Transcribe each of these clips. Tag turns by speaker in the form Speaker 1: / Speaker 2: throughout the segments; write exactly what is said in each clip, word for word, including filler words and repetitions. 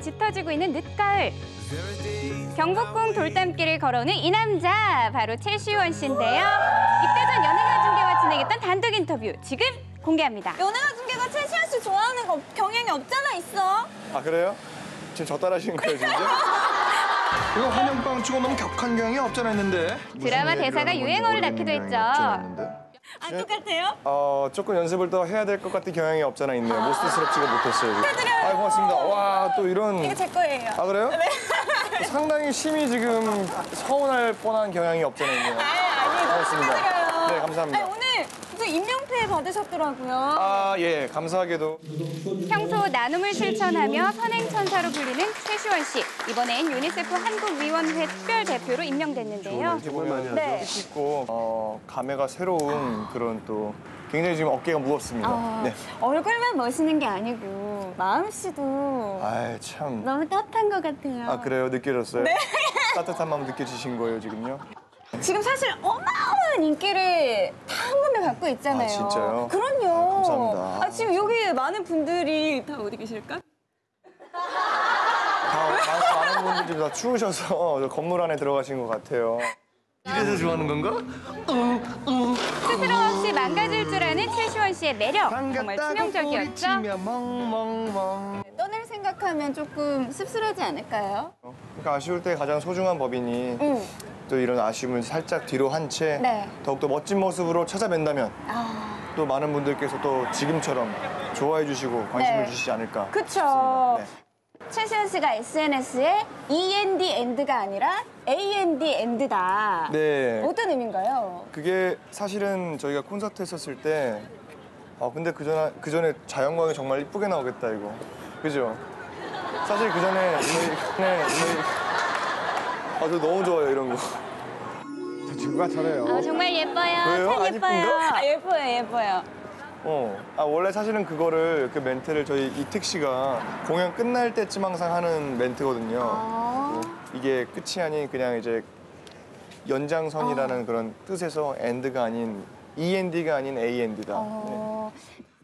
Speaker 1: 짙어지고 있는 늦가을. 경복궁 돌담길을 걸어오는 이 남자, 바로 최시원 씨인데요. 입대 전 연예가 중계와 진행했던 단독 인터뷰 지금 공개합니다.
Speaker 2: 연예가 중계가 최시원 씨 좋아하는 거 경향이 없잖아, 있어.
Speaker 3: 아, 그래요? 지금 저 따라하신 거예요, 진짜? 이거 환영빵 치고 너무 격한 경향이 없잖아 했는데.
Speaker 1: 드라마 대사가 유행어를 낳기도 했죠.
Speaker 2: 안 똑같아요?
Speaker 3: 어, 조금 연습을 더 해야 될 것 같은 경향이 없잖아 있네요. 아 모스스럽지가 못했어요. 축하드려요. 아, 고맙습니다. 와, 또 이런.
Speaker 2: 이거 제 거예요.
Speaker 3: 아, 그래요?
Speaker 2: 네.
Speaker 3: 상당히 심히 지금 서운할 뻔한 경향이 없잖아 있네요.
Speaker 2: 아, 아니,
Speaker 3: 고맙습니다.
Speaker 2: 축하드려요.
Speaker 3: 네, 감사합니다.
Speaker 2: 아니, 오늘 무슨 임명패 받으셨더라고요.
Speaker 3: 아, 예, 감사하게도.
Speaker 1: 평소 나눔을 실천하며 선행천사로 불리는 최시원 씨. 이번엔 유니세프 한국위원회 특별대표로 임명됐는데요.
Speaker 3: 이렇게 보면
Speaker 2: 네.
Speaker 3: 뜻 있고 어, 감회가 새로운 그런 또 굉장히 지금 어깨가 무겁습니다.
Speaker 2: 아,
Speaker 3: 네.
Speaker 2: 얼굴만 멋있는 게 아니고 마음씨도
Speaker 3: 아이, 참.
Speaker 2: 너무 따뜻한 것 같아요.
Speaker 3: 아, 그래요? 느껴졌어요?
Speaker 2: 네.
Speaker 3: 따뜻한 마음 느껴지신 거예요, 지금요?
Speaker 2: 지금 사실 어마어마한 인기를 다 한 번에 갖고 있잖아요.
Speaker 3: 아, 진짜요?
Speaker 2: 그럼요.
Speaker 3: 아, 감사합니다.
Speaker 2: 아, 지금 여기 많은 분들이 다 어디 계실까?
Speaker 3: 다, 많은 분들이 다 추우셔서 저 건물 안에 들어가신 것 같아요. 이래서 좋아하는 건가?
Speaker 1: 스스럼 없이 망가질 줄 아는 최시원 씨의 매력. 정말 치명적이었죠.
Speaker 3: 멍멍멍.
Speaker 2: 떠날 생각하면 조금 씁쓸하지 않을까요?
Speaker 3: 그러니까 아쉬울 때 가장 소중한 법이니
Speaker 2: 응.
Speaker 3: 또 이런 아쉬움을 살짝 뒤로 한 채
Speaker 2: 네.
Speaker 3: 더욱더 멋진 모습으로 찾아뵌다면
Speaker 2: 아,
Speaker 3: 또 많은 분들께서 또 지금처럼 좋아해 주시고 관심을
Speaker 2: 네.
Speaker 3: 주시지 않을까.
Speaker 2: 그쵸.
Speaker 3: 네.
Speaker 2: 최시원 씨가 에스엔에스에 이엔디 엔드가 아니라 에이엔디 엔드다.
Speaker 3: 네.
Speaker 2: 어떤 의미인가요?
Speaker 3: 그게 사실은 저희가 콘서트 했었을 때 아, 근데 그 전에, 그 전에 자연광이 정말 이쁘게 나오겠다, 이거. 그죠? 사실 그 전에 네, 아, 저 너무 좋아요, 이런 거. 저 친구가 잘해요.
Speaker 1: 아, 정말 예뻐요.
Speaker 3: 왜요?
Speaker 1: 참
Speaker 3: 안
Speaker 1: 예뻐요.
Speaker 3: 이쁜가?
Speaker 2: 아, 예뻐요, 예뻐요.
Speaker 3: 어. 아, 원래 사실은 그거를, 그 멘트를 저희 이특 씨가 공연 끝날 때쯤 항상 하는 멘트거든요.
Speaker 2: 아.
Speaker 3: 뭐 이게 끝이 아닌 그냥 이제 연장선이라는
Speaker 2: 아.
Speaker 3: 그런 뜻에서 엔드가 아닌 이엔디가 아닌 에이엔디다.
Speaker 2: 어...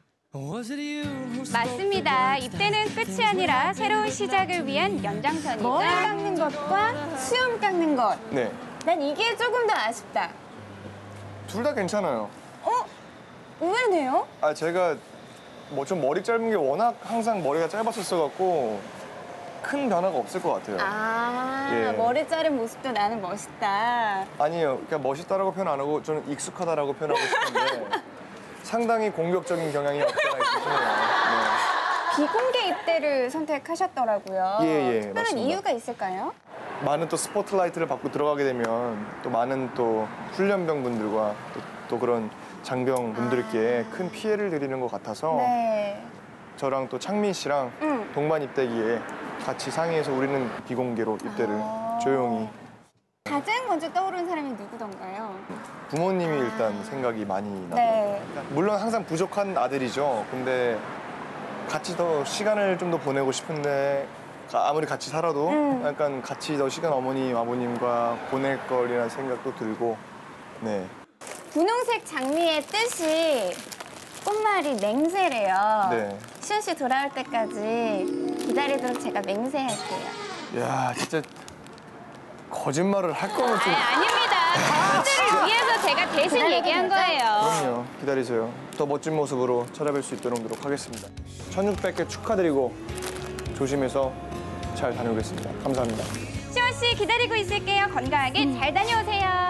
Speaker 1: 맞습니다. 입대는 끝이 아니라 새로운 시작을 위한 연장선이죠.
Speaker 2: 머리 깎는 것과 수염 깎는 것.
Speaker 3: 네.
Speaker 2: 난 이게 조금 더 아쉽다.
Speaker 3: 둘 다 괜찮아요.
Speaker 2: 어? 의외네요?
Speaker 3: 아, 제가 뭐 좀 머리 짧은 게 워낙 항상 머리가 짧았었어갖고 큰 변화가 없을 것 같아요.
Speaker 2: 아,
Speaker 3: 예.
Speaker 2: 머리 자른 모습도 나는 멋있다.
Speaker 3: 아니요, 그냥 멋있다라고 표현 안 하고 저는 익숙하다라고 표현하고 싶은데 상당히 공격적인 경향이 없잖아 있으시네요.
Speaker 2: 비공개 입대를 선택하셨더라고요.
Speaker 3: 예, 예,
Speaker 2: 특별한
Speaker 3: 맞습니다.
Speaker 2: 이유가 있을까요?
Speaker 3: 네. 많은 또 스포트라이트를 받고 들어가게 되면 또 많은 또 훈련병 분들과 또, 또 그런 장병 분들께
Speaker 2: 아.
Speaker 3: 큰 피해를 드리는 것 같아서
Speaker 2: 네.
Speaker 3: 저랑 또 창민 씨랑
Speaker 2: 응.
Speaker 3: 동반 입대기에 같이 상의해서 우리는 비공개로 입대를
Speaker 2: 아.
Speaker 3: 조용히.
Speaker 2: 가장 먼저 떠오르는 사람이 누구던가요?
Speaker 3: 부모님이 일단 생각이 많이 나더라고요.
Speaker 2: 네.
Speaker 3: 물론 항상 부족한 아들이죠. 근데 같이 더 시간을 좀 더 보내고 싶은데 가- 아무리 같이 살아도
Speaker 2: 음.
Speaker 3: 약간 같이 더 시간 어머니, 아버님과 보낼 거리라는 생각도 들고 네.
Speaker 2: 분홍색 장미의 뜻이 꽃말이 맹세래요.
Speaker 3: 네.
Speaker 2: 시원 씨 돌아올 때까지 기다리도록 제가 맹세할게요.
Speaker 3: 야, 진짜 거짓말을 할 거면 좀
Speaker 1: 아, 아닙니다. 분들을 위해서 제가 대신
Speaker 2: 기다려도
Speaker 1: 얘기한
Speaker 2: 되죠?
Speaker 1: 거예요.
Speaker 3: 그럼요. 기다리세요. 더 멋진 모습으로 찾아뵐 수 있도록 하겠습니다. 천육백 개 축하드리고 조심해서 잘 다녀오겠습니다. 감사합니다.
Speaker 1: 시원 씨 기다리고 있을게요. 건강하게 잘 다녀오세요.